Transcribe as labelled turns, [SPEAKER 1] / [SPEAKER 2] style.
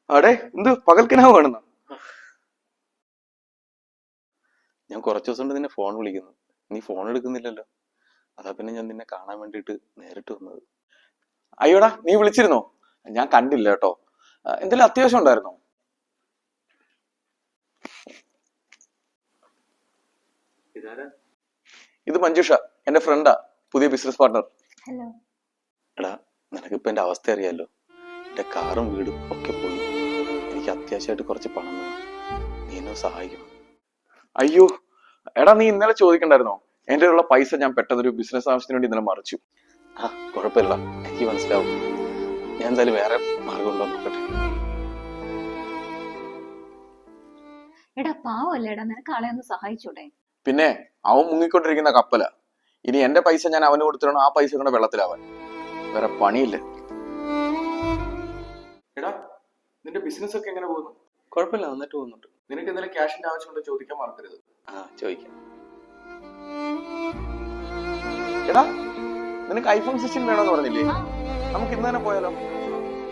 [SPEAKER 1] അടെ എന്ത് പകൽക്കിനാവ് കാണുന്ന? ഞാൻ കുറച്ചു ദിവസം കൊണ്ട് നിന്നെ ഫോൺ വിളിക്കുന്നു, നീ ഫോൺ എടുക്കുന്നില്ലല്ലോ. അതാ പിന്നെ ഞാൻ നിന്നെ കാണാൻ വേണ്ടിട്ട് നേരിട്ട് വന്നത്. അയ്യോടാ, നീ വിളിച്ചിരുന്നോ? ഞാൻ കണ്ടില്ല കേട്ടോ. എന്തെങ്കിലും അത്യാവശ്യം ഉണ്ടായിരുന്നോ? ഇത് മഞ്ജുഷ, എന്റെ ഫ്രണ്ടാ, പുതിയ ബിസിനസ് പാർട്ണർ.
[SPEAKER 2] ഹലോ.
[SPEAKER 1] എടാ, നിനക്കിപ്പോ എന്റെ അവസ്ഥ അറിയാലോ. എന്റെ കാറും വീടും ഒക്കെ പോയി. എനിക്ക് അത്യാവശ്യമായിട്ട് കുറച്ച് പണം വേണം, നീ എന്നെ സഹായിക്കണം. അയ്യോ എടാ, നീ ഇന്നലെ ചോദിക്കണ്ടായിരുന്നോ? എന്റെ ഉള്ള പൈസ ഞാൻ പെട്ടെന്നൊരു ബിസിനസ് ആവശ്യത്തിന് വേണ്ടി ഇന്നലെ മറിച്ചു. ആ കുഴപ്പമില്ല, എനിക്ക് മനസ്സിലാവും. ഞാൻ എന്തായാലും വേറെ മാർഗം ഉണ്ടോ നോക്കട്ടെ.
[SPEAKER 2] എടാ പാവല്ലേടാ, നിനക്ക് ആളെ ഒന്ന് സഹായിച്ചൂടെ?
[SPEAKER 1] പിന്നെ അവൻ മുങ്ങിക്കൊണ്ടിരിക്കുന്ന കപ്പല. ഇനി എന്റെ പൈസ ഞാൻ അവന് കൊടുത്തിടണം, ആ പൈസ കൊണ്ട് വെള്ളത്തിലാവാൻ. വേറെ പണിയില്ല. എടാ, നിന്റെ ബിസിനസ് ഒക്കെ എങ്ങനെ പോകുന്നു? കുഴപ്പമില്ല, നന്നായിട്ട് പോകുന്നുണ്ട്. നിനക്ക് എന്തെങ്കിലും ക്യാഷിന്റെ ആവശ്യമുണ്ടോ ചോദിക്കാൻ മറക്കരുത്. ആ ചോദിക്കാം. എടാ, നിനക്ക് ഐഫോൺ 16 വേണമെന്ന് പറഞ്ഞില്ലേ? നമുക്ക് ഇന്ന് തന്നെ പോയാലോ?